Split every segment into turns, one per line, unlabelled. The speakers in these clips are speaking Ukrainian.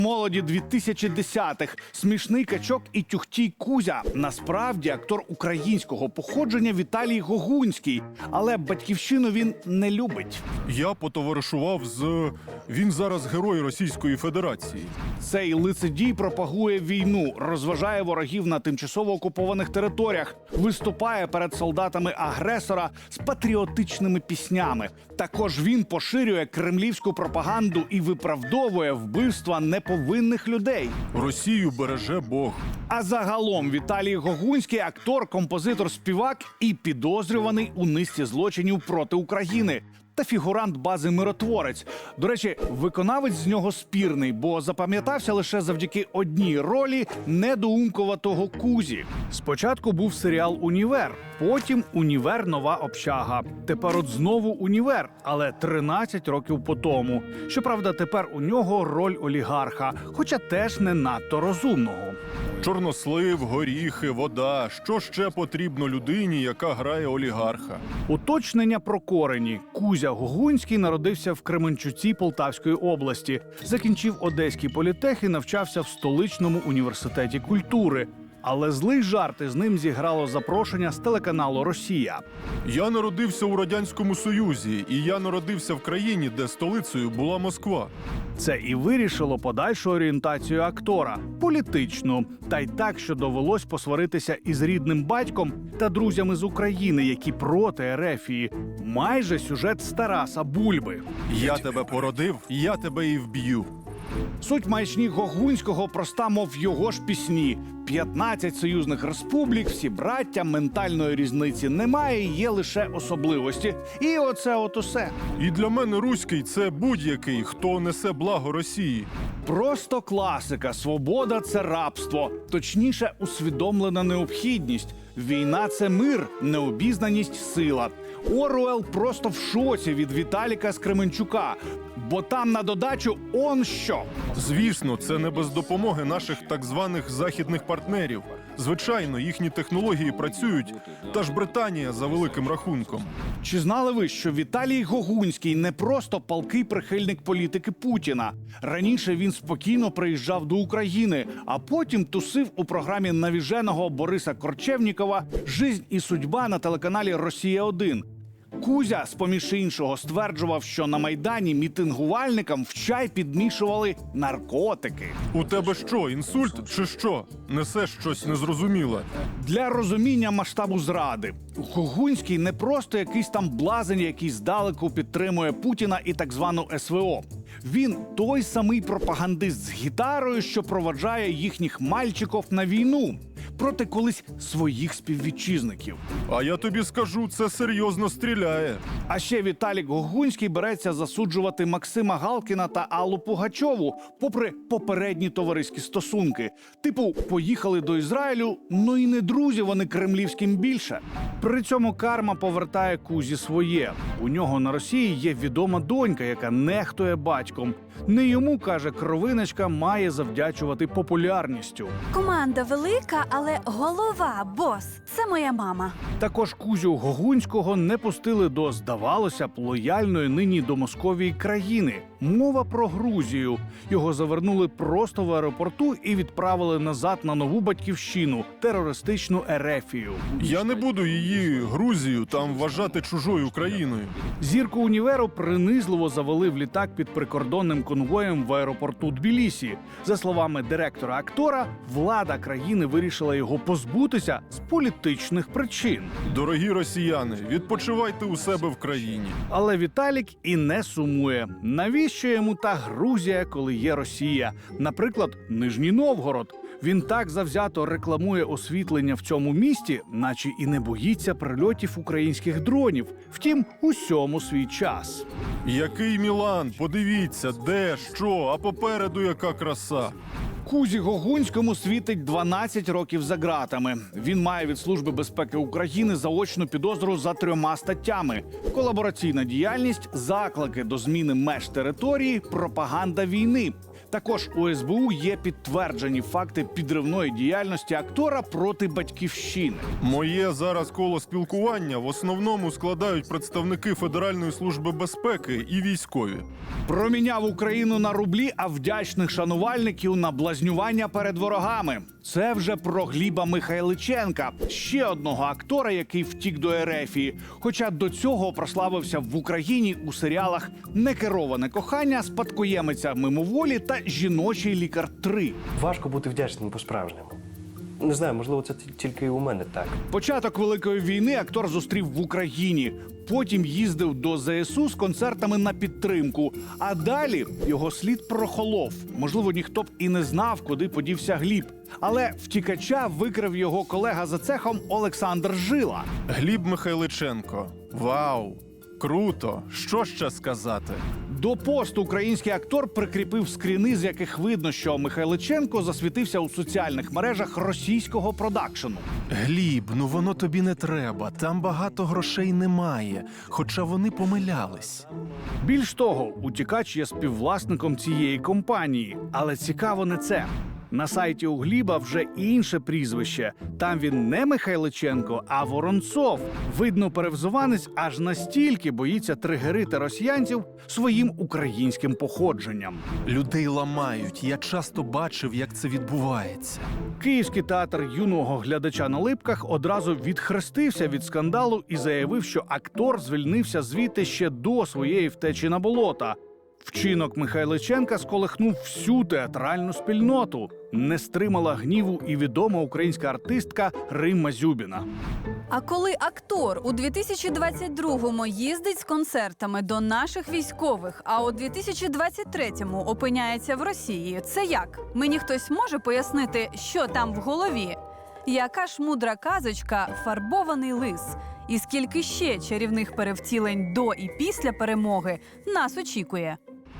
Молоді 2010-х. Смішний качок і тюхтій Кузя. Насправді актор українського походження Віталій Гогунський. Але батьківщину він не любить.
Я потоваришував з... Він зараз герой Російської Федерації.
Цей лицедій пропагує війну, розважає ворогів на тимчасово окупованих територіях, виступає перед солдатами агресора з патріотичними піснями. Також він поширює кремлівську пропаганду і виправдовує вбивства неповинних людей.
Росію береже Бог.
А загалом Віталій Гогунський – актор, композитор, співак і підозрюваний у низці злочинів проти України. Та фігурант бази «Миротворець». До речі, виконавець з нього спірний, бо запам'ятався лише завдяки одній ролі недоумкуватого Кузі. Спочатку був серіал «Універ», потім «Універ. Нова общага». Тепер от знову «Універ», але 13 років по тому. Щоправда, тепер у нього роль олігарха, хоча теж не надто розумного.
Чорнослив, горіхи, вода. Що ще потрібно людині, яка грає олігарха?
Уточнення про корені. Кузя Гогунський народився в Кременчуці Полтавської області. Закінчив Одеський політех і навчався в столичному університеті культури. Але злий жарт із ним зіграло запрошення з телеканалу «Росія».
Я народився у Радянському Союзі, і я народився в країні, де столицею була Москва.
Це і вирішило подальшу орієнтацію актора – політичну. Та й так, що довелось посваритися із рідним батьком та друзями з України, які проти ерефії. Майже сюжет з Тараса Бульби.
Я тебе породив, я тебе і вб'ю.
Суть маячні Гогунського проста, мов його ж пісні. 15 союзних республік, всі браття, ментальної різниці немає, є лише особливості. І оце от усе.
І для мене руський – це будь-який, хто несе благо Росії.
Просто класика. Свобода – це рабство. Точніше, усвідомлена необхідність. Війна – це мир, необізнаність – сила. Оруел просто в шоці від Віталіка з Кременчука. Бо там на додачу он що.
Звісно, це не без допомоги наших так званих західних партнерів. Звичайно, їхні технології працюють, та ж Британія за великим рахунком.
Чи знали ви, що Віталій Гогунський не просто палкий прихильник політики Путіна? Раніше він спокійно приїжджав до України, а потім тусив у програмі навіженого Бориса Корчевнікова «Жизнь і судьба» на телеканалі «Росія-1». Кузя, з-поміж іншого, стверджував, що на Майдані мітингувальникам в чай підмішували наркотики.
У тебе що, інсульт чи що? Несеш щось незрозуміле.
Для розуміння масштабу зради. Гогунський не просто якийсь там блазень, який здалеку підтримує Путіна і так звану СВО. Він той самий пропагандист з гітарою, що проводжає їхніх мальчиків на війну проти колись своїх співвітчизників.
А я тобі скажу, це серйозно стріляє.
А ще Віталік Гогунський береться засуджувати Максима Галкіна та Аллу Пугачову, попри попередні товариські стосунки. Типу, поїхали до Ізраїлю, ну і не друзі вони кремлівським більше. При цьому карма повертає Кузі своє. У нього на Росії є відома донька, яка нехтує батьком. Не йому, каже кровиночка, має завдячувати популярністю.
Команда велика, але голова, бос – це моя мама.
Також Кузю Гогунського не пустили до, здавалося б, лояльної нині до Московії країни. Мова про Грузію. Його завернули просто в аеропорту і відправили назад на нову батьківщину – терористичну Ерефію.
Я не буду її, Грузію, там вважати чужою країною.
Зірку універу принизливо завели в літак під прикордонним конвоєм в аеропорту Тбілісі. За словами директора актора, влада країни вирішила його позбутися з політичних причин.
Дорогі росіяни, відпочивайте у себе в країні.
Але Віталік і не сумує. Навіщо йому та Грузія, коли є Росія? Наприклад, Нижній Новгород. Він так завзято рекламує освітлення в цьому місті, наче і не боїться прильотів українських дронів. Втім, усьому свій час.
Який Мілан, подивіться, де, що, а попереду яка краса.
Кузі Гогунському світить 12 років за ґратами. Він має від Служби безпеки України заочну підозру за 3 статтями: колабораційна діяльність, заклики до зміни меж території, пропаганда війни. Також у СБУ є підтверджені факти підривної діяльності актора проти батьківщини.
Моє зараз коло спілкування в основному складають представники Федеральної служби безпеки і військові.
Проміняв Україну на рублі, а вдячних шанувальників на блазнювання перед ворогами. Це вже про Гліба Михайличенка, ще одного актора, який втік до Ерефії. Хоча до цього прославився в Україні у серіалах «Некероване кохання», «Спадкоємиця мимоволі» та «Жіночий лікар 3».
Важко бути вдячним по-справжньому. Не знаю, можливо, це тільки у мене так.
Початок Великої війни актор зустрів в Україні. Потім їздив до ЗСУ з концертами на підтримку. А далі його слід прохолов. Можливо, ніхто б і не знав, куди подівся Гліб. Але втікача викрив його колега за цехом Олександр Жила.
Гліб Михайличенко. Вау! Круто! Що ще сказати?
До посту український актор прикріпив скріни, з яких видно, що Михайличенко засвітився у соціальних мережах російського продакшену.
Гліб, ну воно тобі не треба. Там багато грошей немає. Хоча вони помилялись.
Більш того, утікач є співвласником цієї компанії. Але цікаво не це. На сайті у Гліба вже інше прізвище. Там він не Михайличенко, а Воронцов. Видно, перевзуванець аж настільки боїться тригерити росіянців своїм українським походженням.
Людей ламають. Я часто бачив, як це відбувається.
Київський театр юного глядача на Липках одразу відхрестився від скандалу і заявив, що актор звільнився звідти ще до своєї втечі на болота. Вчинок Михайличенка сколихнув всю театральну спільноту. Не стримала гніву і відома українська артистка Римма Зюбіна.
А коли актор у 2022-му їздить з концертами до наших військових, а у 2023-му опиняється в Росії, це як? Мені хтось може пояснити, що там в голові? Яка ж мудра казочка «Фарбований лис»? І скільки ще чарівних перевтілень до і після перемоги нас очікує?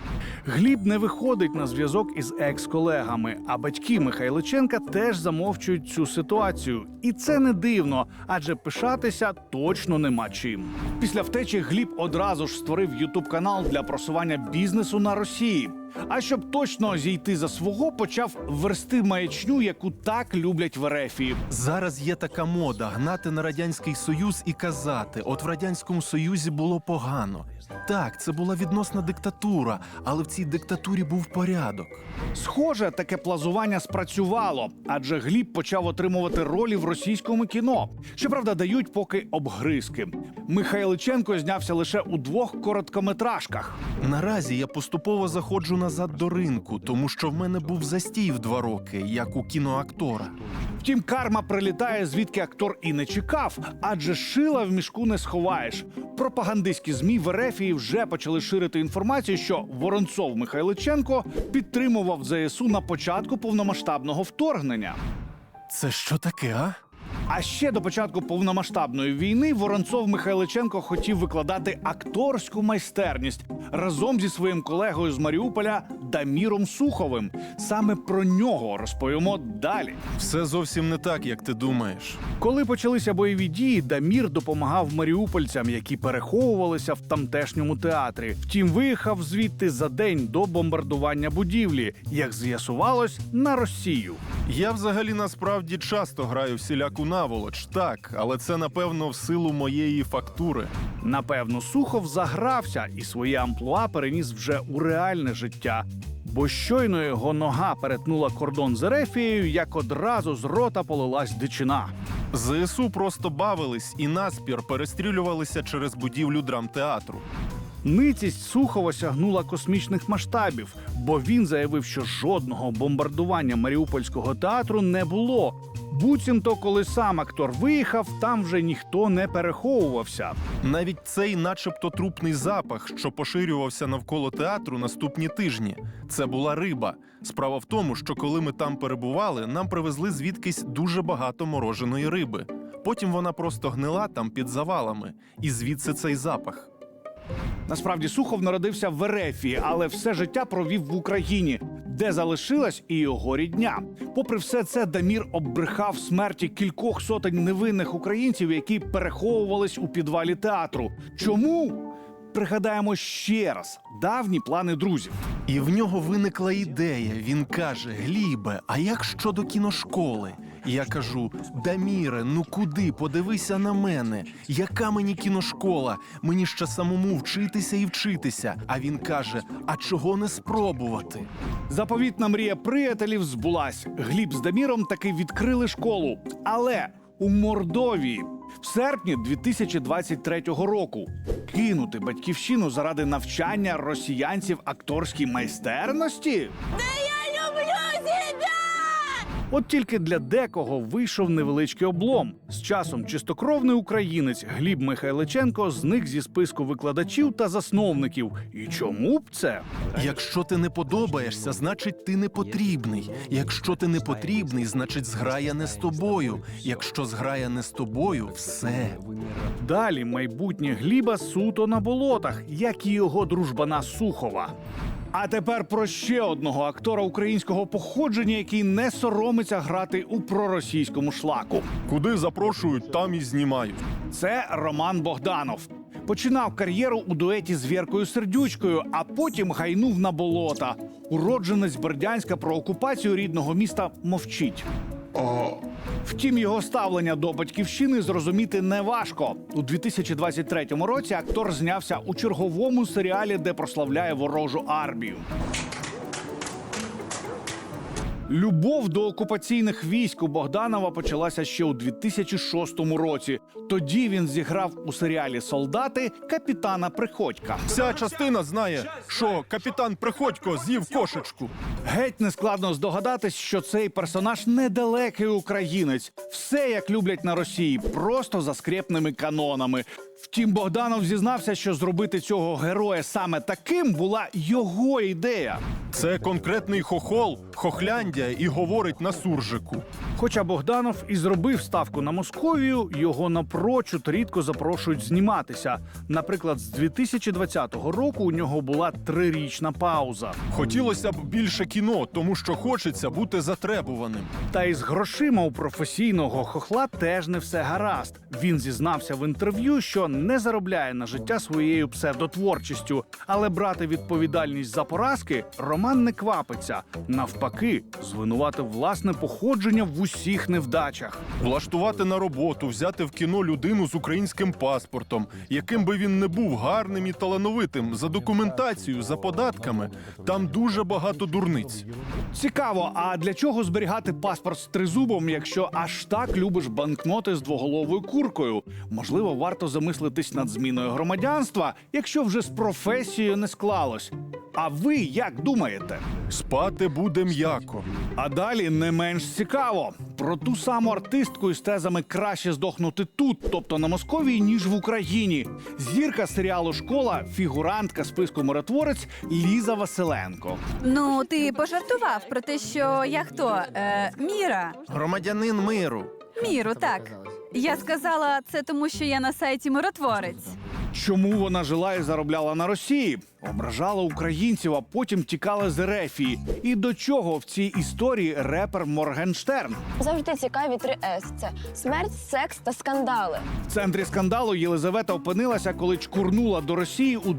Гліб не виходить на зв'язок із екс-колегами, а батьки Михайличенка теж замовчують цю ситуацію. І це не дивно, адже пишатися точно нема чим. Після втечі Гліб одразу ж створив ютуб-канал для просування бізнесу на Росії. А щоб точно зійти за свого, почав версти маячню, яку так люблять в Ерефії.
Зараз є така мода – гнати на Радянський Союз і казати, от в Радянському Союзі було погано. Так, це була відносна диктатура, але в цій диктатурі був порядок.
Схоже, таке плазування спрацювало, адже Гліб почав отримувати ролі в російському кіно. Щоправда, дають поки обгризки. Михайличенко знявся лише у 2 короткометражках.
Наразі я поступово заходжу назад до ринку, тому що в мене був застій в 2 роки, як у кіноактора.
Втім, карма прилітає, звідки актор і не чекав, адже шила в мішку не сховаєш. Пропагандистські ЗМІ в Ерефії вже почали ширити інформацію, що Воронцов Михайличенко підтримував ЗСУ на початку повномасштабного вторгнення.
Це що таке, а?
А ще до початку повномасштабної війни Воронцов Михайличенко хотів викладати акторську майстерність разом зі своїм колегою з Маріуполя Даміром Суховим. Саме про нього розповімо далі.
Все зовсім не так, як ти думаєш.
Коли почалися бойові дії, Дамір допомагав маріупольцям, які переховувалися в тамтешньому театрі. Втім, виїхав звідти за день до бомбардування будівлі, як з'ясувалось, на Росію.
Я взагалі насправді часто граю всіляку наволоч, так, але це, напевно, в силу моєї фактури.
Напевно, Сухов загрався і своє амплуа переніс вже у реальне життя. Бо щойно його нога перетнула кордон з Ерефією, як одразу з рота полилась дичина.
ЗСУ просто бавились і наспір перестрілювалися через будівлю драмтеатру.
Ницість Сухова сягнула космічних масштабів, бо він заявив, що жодного бомбардування Маріупольського театру не було. Буцімто, коли сам актор виїхав, там вже ніхто не переховувався.
Навіть цей начебто трупний запах, що поширювався навколо театру наступні тижні. Це була риба. Справа в тому, що коли ми там перебували, нам привезли звідкись дуже багато мороженої риби. Потім вона просто гнила там під завалами. І звідси цей запах.
Насправді, Сухов народився в Ерефії, але все життя провів в Україні, де залишилась і його рідня. Попри все це, Дамір оббрехав смерті кількох сотень невинних українців, які переховувались у підвалі театру. Чому? Пригадаємо ще раз давні плани друзів.
І в нього виникла ідея. Він каже: Глібе, а як щодо кіношколи? Я кажу: Даміре, ну куди? Подивися на мене. Яка мені кіношкола? Мені ще самому вчитися і вчитися. А він каже: а чого не спробувати?
Заповітна мрія приятелів збулась. Гліб з Даміром таки відкрили школу. Але у Мордовії. В серпні 2023 року кинути батьківщину заради навчання росіянців акторській майстерності? От тільки для декого вийшов невеличкий облом. З часом чистокровний українець Гліб Михайличенко зник зі списку викладачів та засновників. І чому б це?
Якщо ти не подобаєшся, значить ти не потрібний. Якщо ти не потрібний, значить зграя не з тобою. Якщо зграя не з тобою, все.
Далі майбутнє Гліба суто на болотах, як і його дружбана Сухова. А тепер про ще одного актора українського походження, який не соромиться грати у проросійському шлаку.
Куди запрошують, там і знімають.
Це Роман Богданов. Починав кар'єру у дуеті з Віркою Сердючкою, а потім гайнув на болота. Уродженець Бердянська про окупацію рідного міста мовчить. Втім, його ставлення до батьківщини зрозуміти неважко. У 2023 році актор знявся у черговому серіалі, де прославляє ворожу армію. Любов до окупаційних військ у Богданова почалася ще у 2006 році. Тоді він зіграв у серіалі «Солдати» капітана Приходька.
Вся частина знає, що капітан Приходько з'їв кошечку.
Геть нескладно здогадатись, що цей персонаж недалекий українець. Все, як люблять на Росії, просто за скрєпними канонами. Втім, Богданов зізнався, що зробити цього героя саме таким була його ідея.
Це конкретний хохол, хохляндя і говорить на суржику.
Хоча Богданов і зробив ставку на Московію, його напрочуд рідко запрошують зніматися. Наприклад, з 2020 року у нього була 3-річна пауза.
Хотілося б більше кіно, тому що хочеться бути затребуваним.
Та й з грошима у професійного хохла теж не все гаразд. Він зізнався в інтерв'ю, що не заробляє на життя своєю псевдотворчістю. Але брати відповідальність за поразки Роман не квапиться. Навпаки, звинуватив власне походження в усіх невдачах.
Влаштувати на роботу, взяти в кіно людину з українським паспортом, яким би він не був гарним і талановитим, за документацією, за податками. Там дуже багато дурниць.
Цікаво, а для чого зберігати паспорт з тризубом, якщо аж так любиш банкноти з двоголовою куркою? Можливо, варто замислитись над зміною громадянства, якщо вже з професією не склалось. А ви як думаєте?
Спати буде м'яко.
А далі не менш цікаво. Про ту саму артистку із тезами «краще здохнути тут», тобто на Московії, ніж в Україні. Зірка серіалу «Школа», фігурантка списку «Миротворець» Ліза Василенко.
Ну, ти пожартував про те, що я хто? Міра.
Громадянин миру.
Міру, так. Я сказала це тому, що я на сайті «Миротворець».
Чому вона жила і заробляла на Росії? Ображала українців, а потім тікала з Ерефії. І до чого в цій історії репер Моргенштерн?
Завжди цікаві 3 С. Це смерть, секс та скандали.
В центрі скандалу Єлизавета опинилася, коли чкурнула до Росії у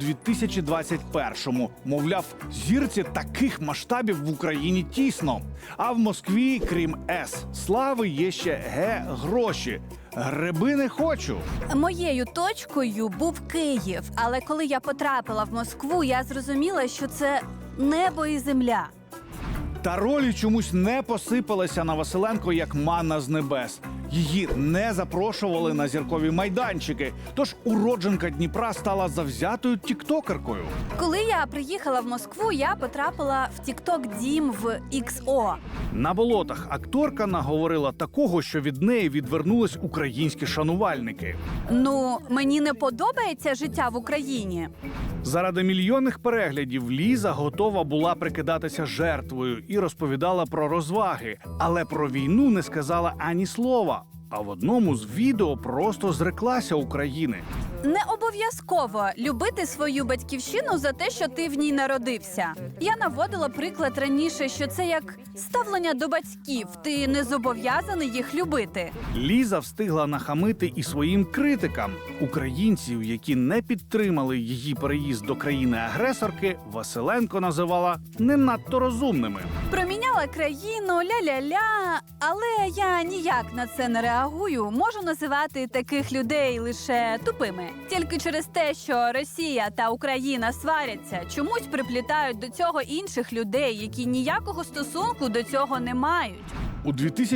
2021-му. Мовляв, зірці таких масштабів в Україні тісно. А в Москві, крім С слави, є ще Г гроші. Гриби не хочу.
Моєю точкою був Київ, але коли я потрапила в Москву, я зрозуміла, що це небо і земля.
Та ролі чомусь не посипалися на Василенко як манна з небес. Її не запрошували на зіркові майданчики. Тож уродженка Дніпра стала завзятою тіктокеркою.
Коли я приїхала в Москву, я потрапила в тікток-дім в XO.
На болотах акторка наговорила такого, що від неї відвернулись українські шанувальники.
Ну, мені не подобається життя в Україні.
Заради мільйонних переглядів Ліза готова була прикидатися жертвою і розповідала про розваги, але про війну не сказала ані слова. А в одному з відео просто зреклася України.
Не обов'язково любити свою батьківщину за те, що ти в ній народився. Я наводила приклад раніше, що це як ставлення до батьків. Ти не зобов'язаний їх любити.
Ліза встигла нахамити і своїм критикам. Українців, які не підтримали її переїзд до країни-агресорки, Василенко називала не надто розумними.
Проміняла країну, ля-ля-ля, але я ніяк на це не реагую. Можу називати таких людей лише тупими. Тільки через те, що Росія та Україна сваряться, чомусь приплітають до цього інших людей, які ніякого стосунку до цього не мають.
У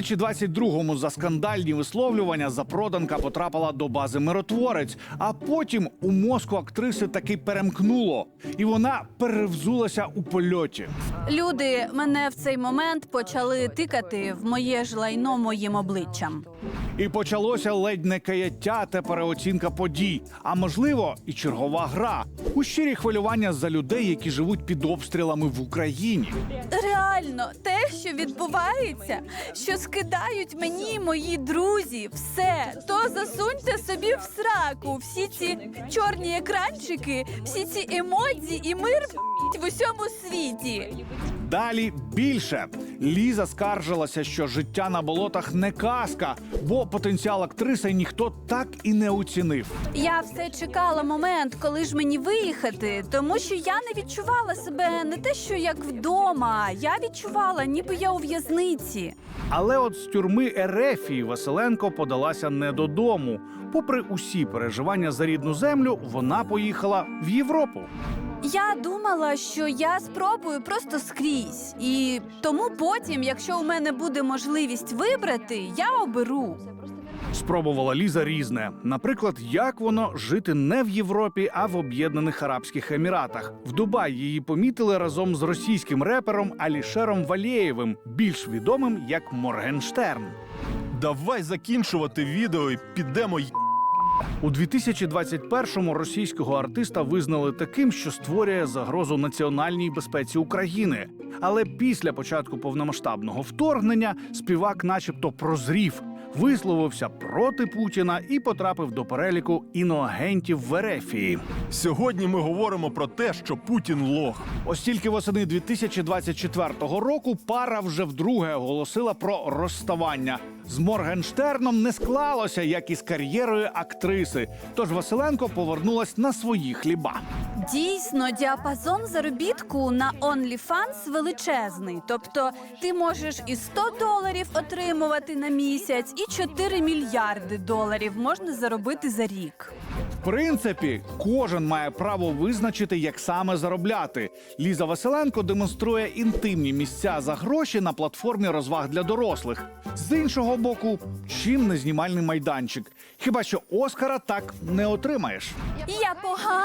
2022-му за скандальні висловлювання запроданка потрапила до бази «Миротворець», а потім у мозку актриси таки перемкнуло, і вона перевзулася у польоті.
Люди мене в цей момент почали тикати в моє ж лайно моїм обличчям.
І почалося ледь не каяття та переоцінка подій, а можливо, і чергова гра у щирі хвилювання за людей, які живуть під обстрілами в Україні.
Реально, те, що відбувається, що скидають мені мої друзі, все, то засуньте собі в сраку всі ці чорні екранчики, всі ці емодзі і мир в усьому світі.
Далі більше. Ліза скаржилася, що життя на болотах не казка, бо потенціал актриси ніхто так і не оцінив.
Я все чекала момент, коли ж мені виїхати, тому що я не відчувала себе не те, що як вдома, я відчувала, ніби я у в'язниці.
Але от з тюрми Ерефії Василенко подалася не додому. Попри усі переживання за рідну землю, вона поїхала в Європу.
Я думала, що я спробую просто скрізь. І тому потім, якщо у мене буде можливість вибрати, я оберу.
Спробувала Ліза різне. Наприклад, як воно жити не в Європі, а в Об'єднаних Арабських Еміратах. В Дубаї її помітили разом з російським репером Алішером Валєєвим, більш відомим як Моргенштерн.
Давай закінчувати відео і підемо
У 2021-му російського артиста визнали таким, що створює загрозу національній безпеці України. Але після початку повномасштабного вторгнення співак начебто прозрів, висловився проти Путіна і потрапив до переліку іноагентів в Ерефії.
Сьогодні ми говоримо про те, що Путін лох.
Ось тільки восени 2024 року пара вже вдруге оголосила про розставання. З Моргенштерном не склалося, як і з кар'єрою актриси. Тож Василенко повернулась на свої хліба.
Дійсно, діапазон заробітку на OnlyFans величезний. Тобто ти можеш і $100 отримувати на місяць, і 4 мільярди доларів можна заробити за рік.
В принципі, кожен має право визначити, як саме заробляти. Ліза Василенко демонструє інтимні місця за гроші на платформі розваг для дорослих. З іншого боку, чим не знімальний майданчик? Хіба що Оскара так не отримаєш.
Я погано